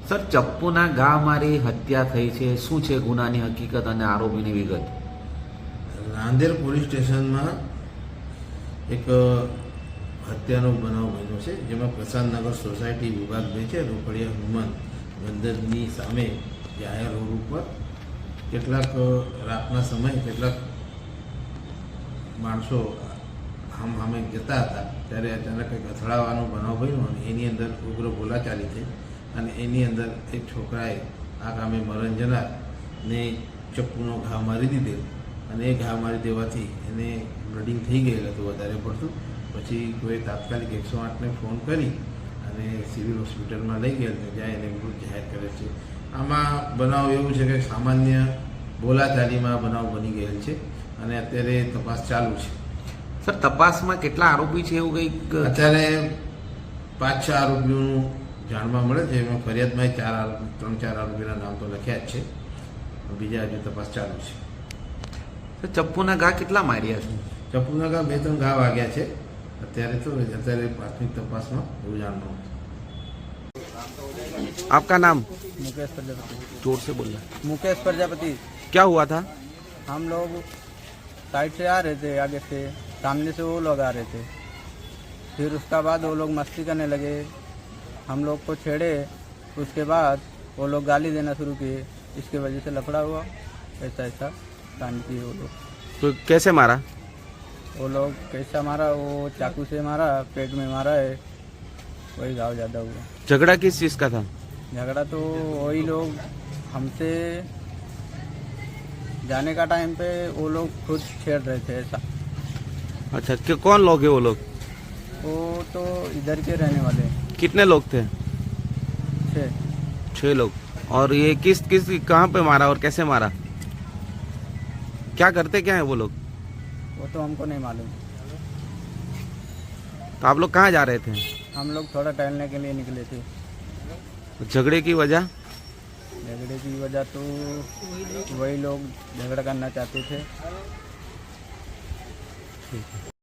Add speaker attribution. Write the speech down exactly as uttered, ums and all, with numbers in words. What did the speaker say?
Speaker 1: Sir, ચપ્પુના ઘા મારી હત્યા થઈ છે, શું છે ગુનાની હકીકત અને આરોપીની વિગત?
Speaker 2: રાંદેર પોલીસ સ્ટેશનમાં એક હત્યાનો બનાવ બન્યો છે, જેમાં પ્રસાદનગર સોસાયટી વિભાગ બે છે, રોકડિયા હનુમાન મંદિરની સામે જાહેર રોડ ઉપર કેટલાક રાતના સમયે કેટલાક માણસો આમ સામે જતા હતા ત્યારે અચાનક એક અથડાવાનો બનાવ બન્યો અને એની અંદર ઉગ્ર બોલાચાલી થઈ અને એની અંદર એક છોકરાએ આ કામે મરણ જનારને ચપ્પુનો ઘા મારી દીધેલ અને એ ઘા મારી દેવાથી એને બ્લડિંગ થઈ ગયેલ હતું વધારે પડતું. પછી કોઈ તાત્કાલિક એકસો આઠને ફોન કરી અને સિવિલ હોસ્પિટલમાં લઈ ગયેલ જ્યાં એને મૃત જાહેર કરે છે. આમાં બનાવ એવું છે કે સામાન્ય બોલાચાલીમાં બનાવ બની ગયેલ છે અને અત્યારે તપાસ ચાલુ છે.
Speaker 1: સર, તપાસમાં કેટલા આરોપી છે એવું કંઈક?
Speaker 2: અત્યારે પાંચ છ આરોપીઓનું જાણવા મળે છે. એમાં ફરિયાદમાં ચાર આરોપી ત્રણ ચાર આરોપીના નામ તો લખ્યા જ છે, બીજા હજુ તપાસ ચાલુ છે.
Speaker 1: સર, ચપ્પુના ઘા કેટલા માર્યા છે?
Speaker 2: ચપ્પુના ઘા બે ત્રણ ઘા વાગ્યા છે અત્યારે તો અત્યારે પ્રાથમિક તપાસમાં એવું જાણવા મળે.
Speaker 1: आपका नाम?
Speaker 3: मुकेश प्रजापति।
Speaker 1: जोर से बोलना।
Speaker 3: मुकेश प्रजापति।
Speaker 1: क्या हुआ था?
Speaker 3: हम लोग साइड से आ रहे थे, आगे से सामने से वो लोग आ रहे थे, फिर उसका बाद वो लोग मस्ती करने लगे, हम लोग को छेड़े, उसके बाद वो लोग गाली देना शुरू किए, इसके वजह से लफड़ा हुआ, ऐसा ऐसा कांड किए वो लोग।
Speaker 1: तो कैसे मारा?
Speaker 3: वो लोग कैसा मारा, वो चाकू से मारा, पेट में मारा है, वही घाव ज़्यादा हुआ।
Speaker 1: झगड़ा किस चीज़ का था?
Speaker 3: झगड़ा तो वही लोग हमसे जाने का टाइम पे वो लोग खुद छेड़ रहे थे ऐसा।
Speaker 1: अच्छा, कि कौन लोग हैं वो लोग?
Speaker 3: वो तो इधर के रहने वाले हैं।
Speaker 1: कितने लोग थे?
Speaker 3: छः।
Speaker 1: छह लोग। और ये किस किस कहाँ पे मारा और कैसे मारा? क्या करते क्या है वो लोग?
Speaker 3: वो तो हमको नहीं मालूम।
Speaker 1: तो आप लोग कहाँ जा रहे थे?
Speaker 3: हम लोग थोड़ा टहलने के लिए निकले थे।
Speaker 1: झगड़े की वजह?
Speaker 3: झगड़े की वजह तो वही लोग झगड़ा करना चाहते थे।